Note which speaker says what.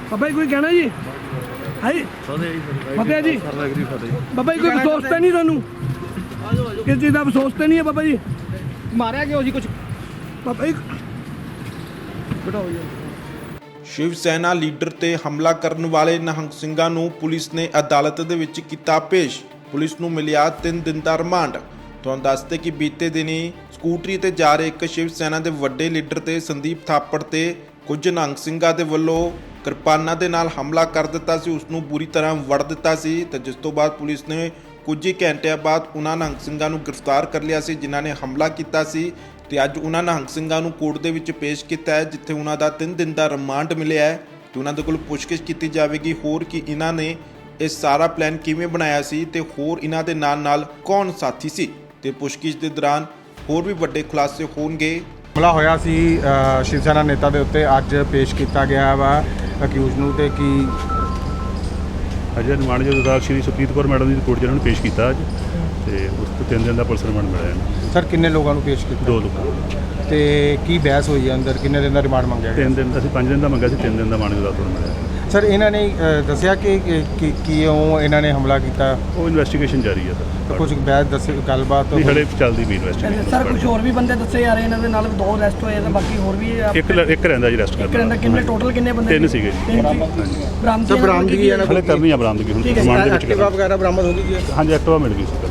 Speaker 1: ਬਾਬਾ ਜੀ ਕੋਈ ਕਹਿਣਾ ਜੀ ਹਾਈ ਫਤਿਹ ਜੀ ਬਾਬਾ ਜੀ ਕੋਈ ਅਫਸੋਸ ਤਾਂ ਨਹੀਂ ਤੁਹਾਨੂੰ ਕਿਸ ਚੀਜ਼ ਦਾ ਅਫਸੋਸ ਤਾਂ ਨਹੀਂ ਹੈ ਬਾਬਾ ਜੀ
Speaker 2: ਮਾਰਿਆ ਗਿਆ ਜੀ ਕੁਝ
Speaker 1: ਬਾਬਾ ਜੀ ਬਿਠਾਓ ਜੀ
Speaker 3: ਸ਼ਿਵ ਸੈਨਾ ਲੀਡਰ ਤੇ ਹਮਲਾ ਕਰਨ ਵਾਲੇ ਨਿਹੰਗ ਸਿੰਘਾਂ ਨੂੰ ਪੁਲਿਸ ਨੇ ਅਦਾਲਤ ਦੇ ਵਿੱਚ ਕੀਤਾ ਪੇਸ਼। ਪੁਲਿਸ ਨੂੰ ਮਿਲਿਆ 3 ਦਿਨ ਦਾ ਰਿਮਾਂਡ। ਤੁਹਾਨੂੰ ਦੱਸਦੇ ਕਿ ਬੀਤੇ ਦਿਨੀ ਸਕੂਟਰੀ ਤੇ ਜਾ ਰਹੇ ਇੱਕ ਸ਼ਿਵ ਸੈਨਾ ਦੇ ਵੱਡੇ ਲੀਡਰ ਤੇ ਸੰਦੀਪ ਥਾਪੜ ਤੇ ਕੁਝ ਨਿਹੰਗ ਸਿੰਘਾਂ ਦੇ ਵੱਲੋਂ ਕਿਰਪਾਨਾਂ ਦੇ ਨਾਲ ਹਮਲਾ ਕਰ ਦਿੱਤਾ ਸੀ। ਉਸ ਨੂੰ ਬੁਰੀ ਤਰ੍ਹਾਂ ਵੜ ਦਿੱਤਾ ਸੀ ਤੇ ਜਿਸ ਤੋਂ ਬਾਅਦ ਪੁਲਿਸ ਨੇ ਕੁਝ ਹੀ ਘੰਟਿਆਂ ਬਾਅਦ ਉਹਨਾਂ ਨਿਹੰਗ ਸਿੰਘਾਂ ਨੂੰ ਗ੍ਰਿਫਤਾਰ ਕਰ ਲਿਆ ਸੀ ਜਿਨ੍ਹਾਂ ਨੇ ਹਮਲਾ ਕੀਤਾ ਸੀ ਤੇ ਅੱਜ ਉਹਨਾਂ ਨਿਹੰਗ ਸਿੰਘਾਂ ਨੂੰ ਕੋਰਟ ਦੇ ਵਿੱਚ ਪੇਸ਼ ਕੀਤਾ ਹੈ ਜਿੱਥੇ ਉਹਨਾਂ ਦਾ 3 ਦਿਨ ਦਾ ਰਿਮਾਂਡ ਮਿਲਿਆ ਹੈ ਤੇ ਉਹਨਾਂ ਦੇ ਕੋਲ ਪੁੱਛਗਿੱਛ ਕੀਤੀ ਜਾਵੇਗੀ ਹੋਰ ਕਿ ਇਹਨਾਂ ਨੇ ਇਹ ਸਾਰਾ ਪਲਾਨ ਕਿਵੇਂ ਬਣਾਇਆ ਸੀ ਤੇ ਹੋਰ ਇਹਨਾਂ ਦੇ ਨਾਲ ਕੌਣ ਸਾਥੀ ਸੀ ਤੇ ਪੁੱਛਗਿੱਛ ਦੇ ਦੌਰਾਨ ਹੋਰ ਵੀ ਵੱਡੇ ਖੁਲਾਸੇ ਹੋਣਗੇ।
Speaker 4: ਹਮਲਾ ਹੋਇਆ ਸੀ ਸ਼ਿਵ ਸੈਨਾ ਨੇਤਾ ਦੇ ਉੱਤੇ ਅੱਜ ਪੇਸ਼ ਕੀਤਾ ਗਿਆ ਵਾ ਅਕਿਊਜ਼ ਨੂੰ ਤੇ ਕੀ
Speaker 5: ਅਜੇ ਰਿਮਾਂਡ ਜਦ ਸ਼੍ਰੀ ਸੁਪਰੀਤ ਕੌਰ ਮੈਡਮ ਦੀ ਕੋਰਟ 'ਚ ਇਹਨਾਂ ਨੂੰ ਪੇਸ਼ ਕੀਤਾ ਅੱਜ ਤੇ ਉਸ ਤੋਂ 3 ਦਿਨ ਦਾ ਪੁਲਿਸ ਰਿਮਾਂਡ ਮਿਲਿਆ ਇਹਨੂੰ।
Speaker 4: ਸਰ ਕਿੰਨੇ ਲੋਕਾਂ ਨੂੰ ਪੇਸ਼ ਕੀਤਾ?
Speaker 5: 2 ਲੋਕਾਂ
Speaker 4: ਤੇ ਕੀ ਬਹਿਸ ਹੋਈ ਹੈ ਅੰਦਰ ਕਿੰਨੇ ਦਿਨ ਦਾ ਰਿਮਾਂਡ ਮੰਗਿਆ ਗਿਆ?
Speaker 5: 3 ਦਿਨ ਅਸੀਂ 5 ਦਿਨ ਦਾ ਮੰਗਿਆ ਸੀ 3 ਦਿਨ ਦਾ ਰਿਮਾਂਡ ਦਾ ਤੁਹਾਨੂੰ ਮਿਲਿਆ।
Speaker 4: ਸਰ ਇਹਨਾਂ ਨੇ ਦੱਸਿਆ ਕਿ ਕਿਉਂ ਇਹਨਾਂ ਨੇ ਹਮਲਾ ਕੀਤਾ?
Speaker 5: ਉਹ ਇਨਵੈਸਟੀਗੇਸ਼ਨ ਜਾਰੀ ਹੈ ਸਰ।
Speaker 4: ਕੁਝ ਬਹਿਸ ਦੱਸੇ ਗੱਲਬਾਤ
Speaker 5: ਨਹੀਂ ਹਲੇ ਚੱਲਦੀ ਵੀ ਇਨਵੈਸਟੀਗੇਸ਼ਨ।
Speaker 1: ਸਰ ਕੁਝ ਹੋਰ ਵੀ ਬੰਦੇ ਦੱਸੇ ਜਾ ਰਹੇ ਇਹਨਾਂ ਦੇ ਨਾਲ 2 ਅਰੈਸਟ ਹੋਏ ਤੇ ਬਾਕੀ ਹੋਰ ਵੀ
Speaker 5: ਇੱਕ ਰਹਿੰਦਾ ਜੀ ਰੈਸਟ
Speaker 1: ਇੱਕ ਰਹਿੰਦਾ ਕਿੰਨੇ ਟੋਟਲ ਕਿੰਨੇ ਬੰਦੇ
Speaker 5: 3 ਸੀਗੇ ਜੀ।
Speaker 1: ਬਰਾਮਦਗੀ
Speaker 4: ਬਰਾਮਦਗੀ
Speaker 5: ਹਲੇ ਕਰਨੀ ਆ ਬਰਾਮਦਗੀ ਹੁਣ ਰਿਮਾਂਡ ਦੇ ਵਿੱਚ
Speaker 4: ਐਕਟਿਵਾ ਵਗੈਰਾ ਬਰਾਮਦ ਹੋ ਗਈ ਜੀ?
Speaker 5: ਹਾਂਜੀ ਐਕਟਿਵਾ ਮਿਲ ਗਈ ਸੀ।